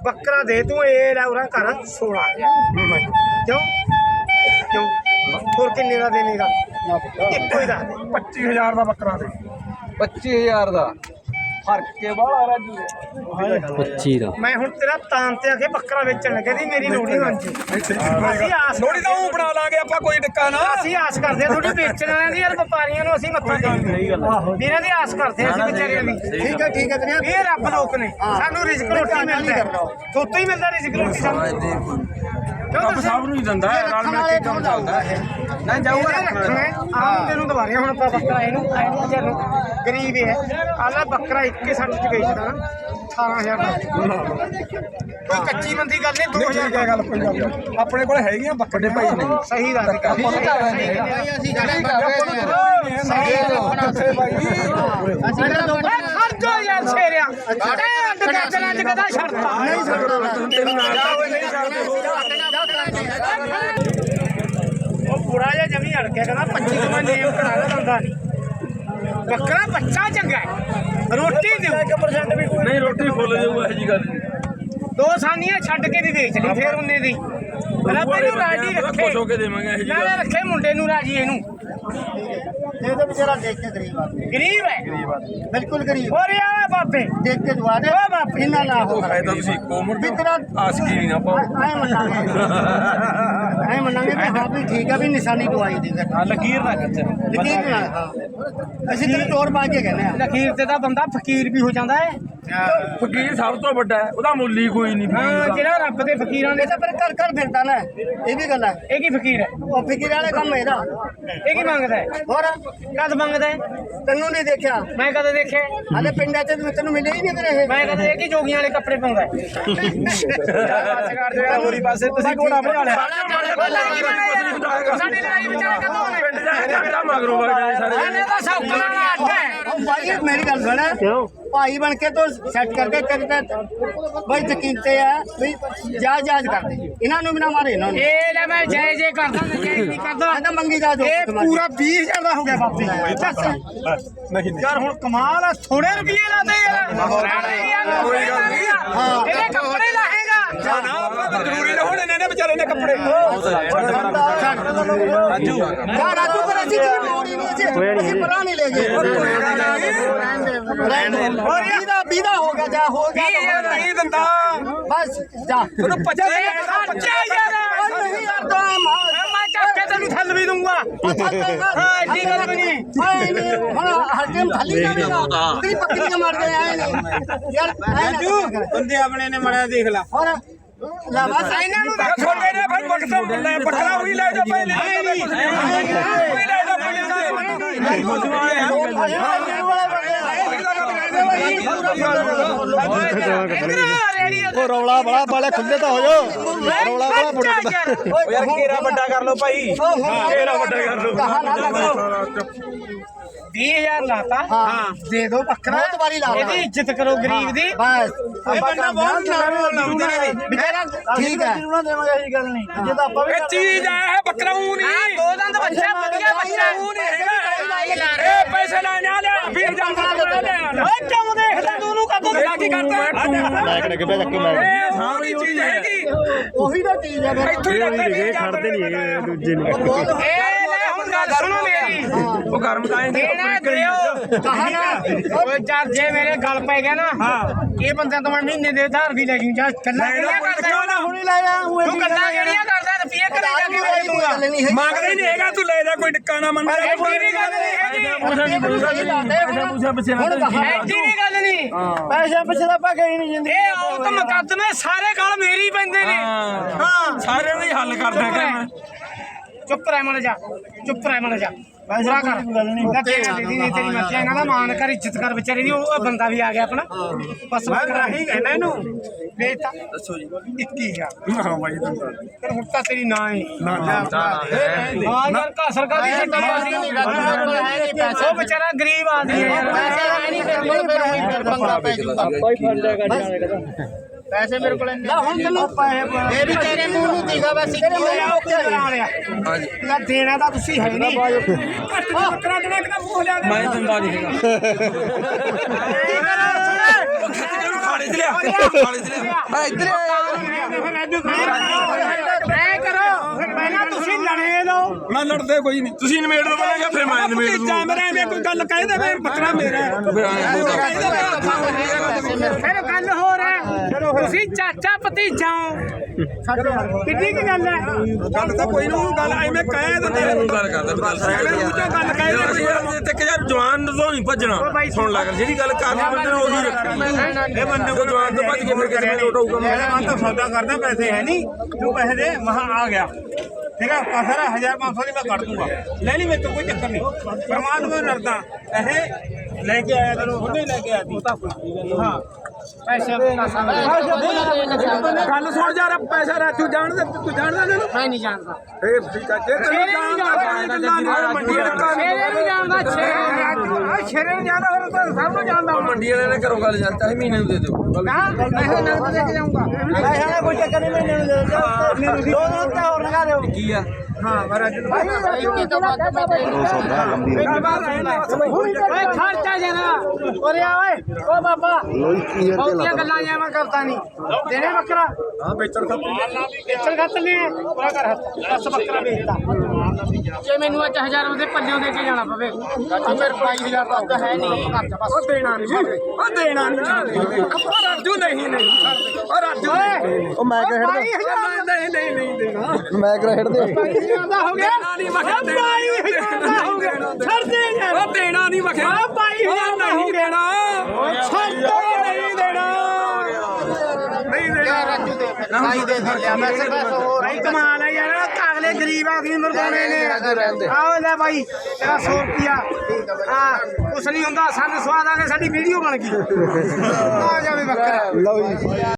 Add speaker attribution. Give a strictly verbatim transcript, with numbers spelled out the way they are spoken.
Speaker 1: ਬੱਕਰਾ ਦੇ ਤੂੰ ਇਹ ਲੈ ਉਰਾ ਕਰ सोलह हज़ार क्यों क्यों ਹੋਰ ਕਿੰਨੇ ਦਾ ਦੇਣੇਗਾ ਇੱਕੋ ਹੀ ਦੱਸ ਦੇ
Speaker 2: पच्चीस हज़ार का बकरा दे
Speaker 3: पच्चीस हज़ार का फर्क के बाला राजू
Speaker 4: पच्ची का
Speaker 1: ਮੈਂ ਹੁਣ ਤੇਰਾ ਤਾਂ ਤੇ ਆ ਕੇ ਬੱਕਰਾ ਵੇਚਣ ਲੱਗੇ ਦੀ ਮੇਰੀ ਲੋੜੀ ਬਣ ਜੀ ਅਸੀਂ ਆਸ
Speaker 2: ਲੋੜੀ ਤਾਂ ਉਹ ਬਣਾ ਲਾਂਗੇ ਆਪਾਂ ਕੋਈ ਟਿੱਕਾ ਨਾ
Speaker 1: ਅਸੀਂ ਆਸ ਕਰਦੇ ਆ ਥੋੜੀ ਵੇਚਣ ਵਾਲਿਆਂ ਦੀ ਯਾਰ ਵਪਾਰੀਆਂ ਨੂੰ ਅਸੀਂ ਮੱਥਾ ਟੇਕਦੇ ਇਹਨਾਂ ਦੀ ਆਸ ਕਰਦੇ ਆ ਅਸੀਂ ਵਿਚਾਰਿਆਂ ਦੀ
Speaker 5: ਠੀਕ ਹੈ ਠੀਕ ਹੈ ਵੀਰੇ
Speaker 1: ਇਹ ਰੱਬ ਲੋਕ ਨੇ ਸਾਨੂੰ ਰਿਜ਼ਕ ਰੋਟੀ ਮਿਲਦਾ ਹੈ ਥੋਤੋਂ ਹੀ ਮਿਲਦਾ ਰਿਜ਼ਕ ਰੋਟੀ ਸਾਨੂੰ
Speaker 2: ਰੱਬ ਸਭ ਨੂੰ ਹੀ ਦਿੰਦਾ ਹੈ ਨਾਲ ਮਿਲ ਕੇ ਕੰਮ ਚੱਲਦਾ ਹੈ
Speaker 1: ਨਾ ਜਾਊਗਾ ਰੱਖਣਾ ਆਹ ਤੈਨੂੰ ਦਵਾਰਿਆ ਹੁਣ ਆਪਾਂ ਬੱਕਰਾ ਇਹਨੂੰ ਇਹਨੂੰ ਤੈਨੂੰ ਗਰੀਬ ਹੈ ਆਲਾ ਬੱਕਰਾ ਇੱਕੇ ਸੱਠ ਚ ਵੇਚਦਾ ਨਾ अठारह हज़ार ਦਾ ਕੋਈ ਕੱਚੀ ਮੰਦੀ ਗੱਲ ਨਹੀਂ दो हज़ार
Speaker 2: ਕੀ ਗੱਲ ਕੋਈ ਗੱਲ ਆਪਣੇ ਕੋਲ ਹੈਗੀਆਂ ਬੱਕਰੇ ਭਾਈ ਨੇ
Speaker 1: ਸਹੀ ਦੱਸ
Speaker 5: ਅਸੀਂ
Speaker 1: ਖਰਚੋ ਯਾਰ ਛੇਰਿਆ ਟੈਂਡ ਗੱਜਣਾ ਚ ਕਦਾ ਛੱਡਦਾ
Speaker 5: ਨਹੀਂ
Speaker 1: ਉਹ ਪੂਰਾ ਜਿਹਾ ਜਮੀ ਅੜ ਗਿਆ ਕਹਿੰਦਾ पच्चीस ਮੈਂ ਨੇਮ ਕਰਾ ਲਾ ਬੰਦਾ ਨਹੀਂ ਬੱਕਰਾ ਬੱਚਾ ਚੰਗਾ ਹੈ ਰੋਟੀ ਦਿਓ ਇੱਕ ਪਰਸੈਂਟ ਵੀ
Speaker 2: ਨਹੀਂ ਰੋਟੀ ਫੁੱਲ ਜਾਊਗਾ ਇਹ ਜੀ ਗੱਲ
Speaker 1: ਦੋ ਸਾਨੀਆਂ ਛੱਡ ਕੇ ਵੀ ਵੇਚ ਲਈ ਫੇਰ ਉਹਨੇ ਦੀ ਰੱਬ ਇਹਨੂੰ ਰਾਜੀ ਰੱਖੇ
Speaker 2: ਖੁਸ਼ ਹੋ ਕੇ ਦੇਵਾਂਗੇ ਇਹ ਜੀ
Speaker 1: ਨਾਲੇ ਰੱਖੇ ਮੁੰਡੇ ਨੂੰ ਰਾਜੀ ਇਹਨੂੰ
Speaker 5: ਇਹ ਤਾਂ ਵਿਚਾਰਾ ਦੇਖ ਕੇ ਗਰੀਬ ਆਦਮੀ
Speaker 1: ਗਰੀਬ ਹੈ
Speaker 5: ਬਿਲਕੁਲ ਗਰੀਬ
Speaker 1: ਹੋਰ ਯਾਰ ਬਾਪੇ
Speaker 5: ਦੇਖ ਕੇ ਦੁਆ ਦੇ
Speaker 1: ਓ ਬਾਪੇ
Speaker 5: ਇੰਨਾ ਨਾ ਹੋ
Speaker 2: ਉਹ ਫਾਇਦਾ ਤੁਸੀਂ ਕੋਮਰ
Speaker 5: ਵੀ ਤੇਰਾ
Speaker 2: ਆਸਕੀ ਨਹੀਂ ਨਾ ਪਾਓ
Speaker 5: ਐ ਮੰਨਾਂਗੇ ਐ ਮੰਨਾਂਗੇ ਵੀ ਹਾਂ ਵੀ ਠੀਕ ਆ ਵੀ ਨਿਸ਼ਾਨੀ ਦਵਾਈ ਦੀ
Speaker 2: ਹਾਂ ਲਕੀਰ ਨਾ ਕੱਚ
Speaker 5: ਯਕੀਨ ਨਾਲ ਹਾਂ ਅਸੀਂ ਤੈਨੂੰ ਤੋੜ ਪਾ ਕੇ ਕਹਿੰਦੇ ਆ
Speaker 1: ਲਖੀਰ ਤੇ ਤਾਂ ਬੰਦਾ ਫਕੀਰ ਵੀ ਹੋ ਜਾਂਦਾ ਹੈ
Speaker 2: ਫਕੀਰ ਸਭ ਤੋਂ ਵੱਡਾ ਹੈ ਉਹਦਾ ਮੁੱਲ ਹੀ ਕੋਈ ਨਹੀਂ
Speaker 1: ਹਾਂ ਜਿਹੜਾ ਰੱਬ ਦੇ ਫਕੀਰਾਂ ਨੇ
Speaker 5: ਇਹ ਤਾਂ ਫਿਰ ਘਰ ਘਰ ਫਿਰਦਾ ਨਾ ਇਹ ਵੀ ਗੱਲ ਹੈ
Speaker 1: ਇਹ ਕੀ ਫਕੀਰ ਹੈ
Speaker 5: ਉਹ ਫਿਕਰ ਵਾਲੇ ਕੰਮ ਇਹਦਾ
Speaker 1: ਇਹ ਕੀ ਮੰਗਦਾ ਹੈ
Speaker 5: ਹੋਰ
Speaker 1: ਕਦ ਮੰਗਦਾ ਹੈ
Speaker 5: ਤੈਨੂੰ ਨਹੀਂ ਦੇਖਿਆ
Speaker 1: ਮੈਂ ਕਦੇ ਦੇਖਿਆ
Speaker 5: ਆਲੇ ਪਿੰਡਾਂ 'ਚ ਤੈਨੂੰ ਮਿਲੇ ਹੀ ਨਹੀਂ ਫਿਰ ਇਹ
Speaker 1: ਮੈਂ ਕਦੇ ਇਹ ਕੀ ਜੋਗੀਆਂ ਵਾਲੇ ਕੱਪੜੇ ਪਾਉਂਦਾ ਹੈ
Speaker 2: ਹੋਰੀ ਪਾਸੇ ਤੁਸੀਂ ਘੋੜਾ ਬਣਾ ਲਿਆ
Speaker 1: ਸਾਡੀ ਲੜਾਈ ਵਿਚਾਰੇ ਕਦੋਂ ਹੋਣੇ
Speaker 2: ਪਿੰਡ ਜਾ ਕੇ ਕਿਹੜਾ ਮਗਰੋਂ ਵਗ ਜਾਏ ਸਾਰੇ
Speaker 1: ਇਹਨੇ ਤਾਂ ਸੌਕਣ ਵਾਲਾ ਆਟਾ ਹੈ
Speaker 5: ਉਹ ਭਾਈ ਮੇਰੀ ਗੱਲ ਸੁਣ ਭਾਈ ਬਣ ਕੇ ਤੋਂ ਸੈੱਟ ਕਰਕੇ ਕਰਦਾ ਬਈ ਯਕੀਨ ਤੇ ਆ ਵੀ ਜਾ ਜਾਜ ਕਰਦੇ ਇਹਨਾਂ ਨੂੰ ਵੀ ਨਾ ਮਾਰੇ ਇਹਨਾਂ ਨੂੰ
Speaker 1: ਇਹ ਲੈ ਮੈਂ ਜੈ ਜੈ ਕਰਦਾ ਮੈਂ ਜੈ ਨਹੀਂ ਕਰਦਾ
Speaker 5: ਆ ਤਾਂ ਮੰਗੀ ਜਾ ਦੋ
Speaker 1: ਇਹ ਪੂਰਾ बीस हज़ार ਦਾ ਹੋ ਗਿਆ ਬਾਪੀ
Speaker 2: ਨਹੀਂ
Speaker 1: ਯਾਰ ਹੁਣ ਕਮਾਲ ਆ ਥੋੜੇ ਰੁਪਏ ਲਾਦੇ ਯਾਰ ਕੋਈ ਗੱਲ ਨਹੀਂ ਹਾਂ ਇਹਦੇ ਕੱਪੜੇ ਲਾਹੇਗਾ
Speaker 2: ਨਾ ਆਪਾਂ ਤਾਂ ਜ਼ਰੂਰੀ ਨਾ ਹੁਣ ਇਹਨਾਂ ਨੇ ਵਿਚਾਰੇ ਨੇ ਕੱਪੜੇ
Speaker 5: ਰਾਜੂ ਯਾ ਰਾਜੂ ਪਰ ਅਸੀਂ ਕੀ ਮੋੜੀ ਨਹੀਂ ਅਸੀਂ ਅਸੀਂ ਪਰਾਂ ਨਹੀਂ ਲੈ ਗਏ ਹੋਰ ਇਹਦਾ ਵੀਦਾ ਹੋ ਗਿਆ ਜਾ ਹੋ ਗਿਆ
Speaker 2: ਨਹੀਂ ਦਿੰਦਾ
Speaker 5: ਬਸ ਜਾ
Speaker 2: ਉਹਨੂੰ ਪੱਚੇ
Speaker 1: ਬੱਚੇ ਯਾਰ
Speaker 5: ਨਹੀਂ ਯਾਰ ਤਾਂ
Speaker 1: ਮੈਂ ਚੱਕ ਕੇ ਤੈਨੂੰ ਥੱਲ ਵੀ ਦੂੰਗਾ ਹਾਂ ਐਡੀ ਗੱਲ ਵੀ ਨਹੀਂ
Speaker 5: ਆਏ ਨਹੀਂ ਹੁਣ ਹਰ ਟਾਈਮ ਖਾਲੀ ਜਾਵੇਗਾ ਤੇਰੀ ਪੱਕੀਆਂ ਮਾਰਦੇ ਆਏ ਨਹੀਂ ਯਾਰ ਰਾਜੂ
Speaker 3: ਬੰਦੇ ਆਪਣੇ ਨੇ ਮੜਿਆ ਦੇਖ ਲਾ
Speaker 5: ਹੋਰ ਲਾ ਬਸ
Speaker 1: ਇਹਨਾਂ ਨੂੰ
Speaker 2: ਛੋਟੇ ਨੇ ਫਿਰ ਬੱਕਰਾ ਲੈ ਬੱਕਰਾ ਉਹੀ ਲੈ ਜਾ ਪਹਿਲੇ ਉਹੀ ਲੈ ਜਾ
Speaker 4: ਉਹ ਰੌਲਾ ਬੜਾ ਬਾਲੇ ਖੁੱਲੇ ਤਾਂ ਹੋ ਜਾਓ ਰੌਲਾ ਬੜਾ ਬੁੜਾ
Speaker 3: ਯਾਰ ਘੇਰਾ ਵੱਡਾ ਕਰ ਲਓ ਭਾਈ
Speaker 2: ਘੇਰਾ ਵੱਡਾ ਕਰ ਲਓ
Speaker 1: बीस हज़ार लाता
Speaker 5: हाँ
Speaker 1: दे दो बकरा
Speaker 5: बहुत बारी ला
Speaker 1: ਇਹਦੀ ਇੱਜ਼ਤ ਕਰੋ ਗਰੀਬ ਦੀ
Speaker 5: बस
Speaker 3: ਇਹ ਬੰਦਾ ਬਹੁਤ ਲਾਉਂਦੇ ਨੇ
Speaker 5: बेचारा ठीक है
Speaker 2: ਇਹ ਚੀਜ਼ ਹੈ ਬੱਕਰਾ ਉਹ
Speaker 1: ਹਾਂ
Speaker 2: ਨਹੀਂ
Speaker 1: ਦੋ ਦੰਦ ਬੱਚਾ ਵਧੀਆ ਬੱਚਾ
Speaker 2: ਉਹ ਨਹੀਂ ਹੈਗਾ ਇਹ ਪੈਸੇ ਲੈਣੇ ਆ ਲਿਆ ਵੀਹ ਹਜ਼ਾਰ
Speaker 1: ਓਏ ਕਿਉਂ ਦੇਖਦਾ ਤੂੰ ਉਹਨੂੰ ਕਦੋਂ
Speaker 2: ਇਹ ਕੀ ਕਰਦਾ
Speaker 4: ਮੈਂ ਕਿਹਨੇ ਕਿੱਥੇ ਚੱਕੀ ਮੈਂ
Speaker 2: ਇਹ ਸਾਰੀ ਚੀਜ਼ ਹੈਗੀ
Speaker 5: ਉਹੀ ਤਾਂ ਚੀਜ਼ ਹੈ ਫਿਰ
Speaker 2: ਇੱਥੋਂ ਹੀ ਲੱਗਦੇ
Speaker 4: ਇਹ ਛੱਡਦੇ ਨਹੀਂ ਹੈਗੇ ਦੂਜੇ ਨੂੰ
Speaker 1: ਇਹ ਲੈ ਹੁਣ ਗੱਲ ਸੁਣੋ ਮੇਰੀ
Speaker 2: ਉਹ ਗਰਮ ਤਾਂ
Speaker 1: ਦੇਣਾ ਦਿਓ ਕਹਾ ਨਾ ਓਏ ਚੱਲ ਜੇ ਮੇਰੇ ਗੱਲ ਪੈ ਗਿਆ ਨਾ ਇਹ ਬੰਦਿਆਂ ਤੋਂ ਮੈਂ ਮਹੀਨੇ ਦੇ ਉਧਾਰ ਵੀ ਲੈ ਜੂ ਜਾ ਕੱਲਾ ਕਿਹੜੀਆਂ ਕਰਦਾ
Speaker 5: ਹੁਣੀ ਲਾਇਆ ਉਹ
Speaker 1: ਤੂੰ ਕੱਲਾ ਕਿਹੜੀਆਂ ਕਰਦਾ ਰੁਪਏ ਘਰੇ ਜਾ ਕੇ ਦੇ ਦੂੰਗਾ
Speaker 2: ਮੰਗਦਾ ਹੀ ਨਹੀਂ ਹੈਗਾ ਤੂੰ ਲੈ ਜਾ ਕੋਈ ਟਿੱਕਾ ਨਾ ਮੰਨ
Speaker 1: ਐਡੀ ਵੀ ਗੱਲ ਨਹੀਂ ਹੈਗੀ ਐਡੀ ਵੀ ਗੱਲ ਨਹੀਂ
Speaker 5: ਪੈਸੇ ਪਿੱਛੇ ਤਾਂ ਆਪਾਂ ਗਏ ਨਹੀਂ ਜਿੰਦੇ
Speaker 1: ਇਹ ਔਰਤ ਮੁਕੱਦਮੇ ਸਾਰੇ ਗੱਲ ਮੇਰੀ ਪੈਂਦੇ ਨੇ ਹਾਂ
Speaker 2: ਸਾਰਿਆਂ ਦਾ ਹੀ ਹੱਲ ਕਰਦਾ ਹੈਗਾ ਮੈਂ
Speaker 1: ਚੁੱਪ ਰਹਿ ਮਨ ਜਾ ਚੁੱਪ ਰਹਿ ਮਨ ਜਾ ਪੂਰਾ ਕਰ ਨਾ ਤੇਰੀ ਦੀਦੀ ਨੇ ਤੇਰੀ ਮੱਚਿਆ ਇਹਨਾਂ ਦਾ ਮਾਨ ਕਰ ਇੱਜ਼ਤ ਕਰ ਵਿਚਾਰੇ ਦੀ ਉਹ ਬੰਦਾ ਵੀ ਆ ਗਿਆ ਆਪਣਾ ਬਸ ਮੈਂ ਰਾਹੀ ਕਹਿਣਾ ਇਹਨੂੰ ਵੇਚਤਾ
Speaker 2: ਦੱਸੋ ਜੀ
Speaker 1: ਇੱਕੀ ਹਜ਼ਾਰ
Speaker 2: ਹਾਂ ਬਾਈ ਦਿੰਦਾ
Speaker 1: ਫਿਰ ਹੁਣ ਤਾਂ ਤੇਰੀ ਨਾ ਹੀ
Speaker 2: ਨਾ ਨਾ
Speaker 1: ਹਾਂ ਯਾਰ ਕਾ ਸਰਕਾਰ ਦੀ ਛੱਡੀ ਪੈਸੇ ਉਹ ਵਿਚਾਰਾ ਗਰੀਬ ਆਦਮੀ ਹੈ ਯਾਰ
Speaker 5: ਪੈਸੇ ਹੈ ਨਹੀਂ ਫਿਰ ਕੋਲ ਫਿਰ ਉਹੀ ਫਿਰ ਪੰਗਾ ਪੈ ਜੂਗਾ ਪੈਸੇ ਮੇਰੇ ਕੋਲ ਨਹੀਂ ਹੁਣ ਤੈਨੂੰ ਪੈਸੇ ਇਹ ਵੀ ਤੇਰੇ ਮੂੰਹ ਨੂੰ ਦੀਗਾ ਬਸ ਇੱਕ
Speaker 1: ਨਾ ਦੇਣਾ ਤਾਂ ਤੁਸੀਂ ਹੈ ਨਹੀਂ ਬੱਕਰਾ ਦੇਣਾ ਇੱਕ ਤਾਂ ਮੂੰਹ ਲਿਆ
Speaker 2: ਮੈਂ ਦਿੰਦਾ ਨਹੀਂ ਹੈਗਾ ਪਾਣੀ ਚ ਲਿਆ ਪਾਣੀ ਚ ਲਿਆ
Speaker 3: ਆ ਇੱਧਰ
Speaker 1: ਐ ਕਰੋ ਫਿਰ ਪਹਿਲਾਂ ਤੁਸੀਂ ਲੜੇ ਲਓ।
Speaker 2: ਮੈਂ ਲੜਦੇ ਕੋਈ ਨਹੀਂ ਤੁਸੀਂ ਨਿਮੇੜ ਦੋ ਬੋਲਾਂਗੇ ਫਿਰ ਮੈਂ ਨਿਮੇੜ ਦੂੰਗਾ
Speaker 6: ਮੇਰਾ ਐਵੇਂ ਕੋਈ ਗੱਲ ਕਹਿ ਦੇ ਮੈਂ ਬੱਕਰਾ ਮੇਰਾ
Speaker 1: ਫਿਰ ਗੱਲ ਹੋ ਰਿਹਾ ਤੁਸੀਂ ਚਾਚਾ ਭਤੀਜਾ ਹੋ ਕਿੰਨੀ ਕੀ ਗੱਲ ਹੈ।
Speaker 6: ਗੱਲ ਤਾਂ ਕੋਈ ਨਹੀਂ ਗੱਲ ਐਵੇਂ ਕਹਿ ਦਿੰਦੇ
Speaker 2: ਗੱਲ ਕਰਦਾ ਗੱਲ
Speaker 6: ਗੱਲ ਕਹਿ ਦਿੰਦੇ
Speaker 2: ਤੇ ਕਿ ਯਾਰ ਜਵਾਨ ਤੋਂ ਨਹੀਂ ਭੱਜਣਾ ਸੁਣ ਲੱਗ ਜਿਹੜੀ ਗੱਲ ਕਰਨੀ ਬੰਦੇ ਨੇ ਉਹੀ ਰੱਖਣੀ ਇਹ ਬੰਦੇ ਕੋ ਜਵਾਨ ਤੋਂ ਭੱਜ ਕੇ ਫਿਰ ਕਿਸੇ ਨੂੰ ਉਠਾਊਗਾ
Speaker 6: ਮੈਂ ਤਾਂ ਸੌਦਾ ਕਰਦਾ ਪੈਸੇ ਹੈ ਨਹੀਂ ਤੂੰ ਪੈਸੇ ਦੇ ਮਹਾ ਆ ਗਿਆ ਠੀਕ ਹੈ ਸਾਰਾ ਹਜ਼ਾਰ ਪੰਜ ਸੌ ਦੀ ਮੈਂ ਕੱਢ ਦੂੰਗਾ ਲੈ ਲਈ ਮੇਰੇ ਤੋਂ ਕੋਈ ਚੱਕਰ ਨਹੀਂ ਪਰਮਾਤਮਾ ਨੂੰ ਡਰਦਾ ਇਹ ਲੈ ਕੇ ਆਇਆ ਤੈਨੂੰ ਉਹਨੇ ਲੈ ਕੇ ਆਇਆ ਸੀ ਹਾਂ
Speaker 1: ਪੈਸੇ
Speaker 6: ਗੱਲ ਸੁਣ ਜਾ ਪੈਸਾ ਰਾਜੂ ਜਾਣਦਾ ਤੂੰ ਜਾਣਦਾ ਇਹਨੂੰ
Speaker 1: ਮੈਂ ਨਹੀਂ ਜਾਣਦਾ
Speaker 6: ਫੇਰ ਠੀਕ ਹੈ ਜੇ ਤੈਨੂੰ ਜਾਣਦਾ ਮੰਡੀ ਦਾ
Speaker 1: ਸ਼ੇਰੇ ਨੂੰ ਜਾਣਦਾ ਸ਼ੇਰੇ ਸ਼ੇਰੇ ਨੂੰ ਜਾਣਦਾ ਫਿਰ ਤਾਂ ਸਭ ਨੂੰ ਜਾਣਦਾ
Speaker 2: ਮੰਡੀ ਵਾਲੇ ਨੇ ਘਰੋਂ ਗੱਲ ਜਾਂ ਚਾਹੇ ਮਹੀਨੇ ਨੂੰ ਦੇ ਦਿਓ
Speaker 1: ਹਾਂ ਮੈਂ ਨਗਦ ਲੈ ਕੇ ਜਾਊਂਗਾ
Speaker 5: ਪੈਸਾ ਕੋਈ ਚੱਕਰ ਨਹੀਂ ਮੈਨੂੰ ਦੇ ਦੋ ਦੋ ਤੇ ਹੋਰ ਲਗਾ ਦਿਓ
Speaker 2: ਕੀ ਆ
Speaker 1: ਓਏ ਖਰਚਾ ਜਨਾ ਓਰੇ ਆ ਓਏ ਓ ਬਾਬਾ ਬਹੁਤੀਆਂ ਗੱਲਾਂ ਜਾਂ ਮੈਂ ਕਰਦਾ ਨਹੀਂ ਦੇਣੇ ਬੱਕਰਾ
Speaker 6: ਹਾਂ ਵੇਚਣ ਖਾਤਰ
Speaker 1: ਵੇਚਣ ਖਾਤਰ ਨੇ ਪੂਰਾ ਕਰ ਹੱਥ ਬਸ ਬੱਕਰਾ ਵੇਚਦਾ ਜੇ ਮੈਨੂੰ ਅੱਜ ਹਜ਼ਾਰਾਂ ਦੇ ਪੱਲਿਓਂ ਦੇ ਕੇ ਜਾਣਾ ਪਵੇ ਚਾਚਾ ਮੇਰੇ ਬਾਈ ਹਜ਼ਾਰ ਦਾ ਅੱਗਾ ਹੈ ਨਹੀਂ ਖਰਚਾ ਬਸ
Speaker 6: ਉਹ ਦੇਣਾ ਨਹੀਂ ਉਹ ਦੇਣਾ ਨਹੀਂ ਉਹ ਰਾਜੂ ਨਹੀਂ ਨਹੀਂ ਉਹ ਰਾਜੂ
Speaker 4: ਉਹ ਮੈਂ ਕਿਹਾ
Speaker 1: ਬਾਈ ਹਜ਼ਾਰ
Speaker 6: ਨਹੀਂ ਨਹੀਂ ਨਹੀਂ ਦੇਣਾ
Speaker 4: ਮੈਂ ਕਿਹਾ ਖੇਡ ਦੇ
Speaker 1: ਬਾਈ ਹਜ਼ਾਰ ਦਾ ਹੋ ਗਿਆ
Speaker 6: ਨਹੀਂ ਮਖਿਆ
Speaker 1: ਬਾਈ ਹਜ਼ਾਰ ਦਾ ਹੋ ਗਿਆ ਛੱਡ ਦੇ ਯਾਰ
Speaker 6: ਉਹ ਦੇਣਾ ਨਹੀਂ ਮਖਿਆ
Speaker 1: ਆ ਬਾਈ ਹਜ਼ਾਰ ਦਾ ਹੋ
Speaker 6: ਨਹੀਂ
Speaker 1: ਗਿਆ
Speaker 6: ਦੇਣਾ
Speaker 1: ਛੱਡ
Speaker 6: ਨਹੀਂ ਦੇਣਾ ਨਹੀਂ ਦੇਣਾ
Speaker 5: ਨਹੀਂ ਦੇ ਲਿਆ ਪੈਸੇ ਬਸ ਹੋਰ
Speaker 1: ਭਾਈ ਕਮਾਲ ਹੈ ਯਾਰ ਅਗਲੇ ਗਰੀਬ ਆਦਮੀ ਮਰਵਾਉਣੇ ਨੇ ਆਓ ਲੈ ਭਾਈ ਤੇਰਾ ਸੌ ਰੁਪਿਆ ਹਾਂ ਕੁਛ ਨਹੀਂ ਹੁੰਦਾ ਸਾਨੂੰ ਸਵਾਦ ਆ ਕੇ ਸਾਡੀ ਵੀਡੀਓ ਬਣ ਗਈ ਆ ਜਾਵੇ ਬੱਕਰਾ
Speaker 4: ਲਓ ਜੀ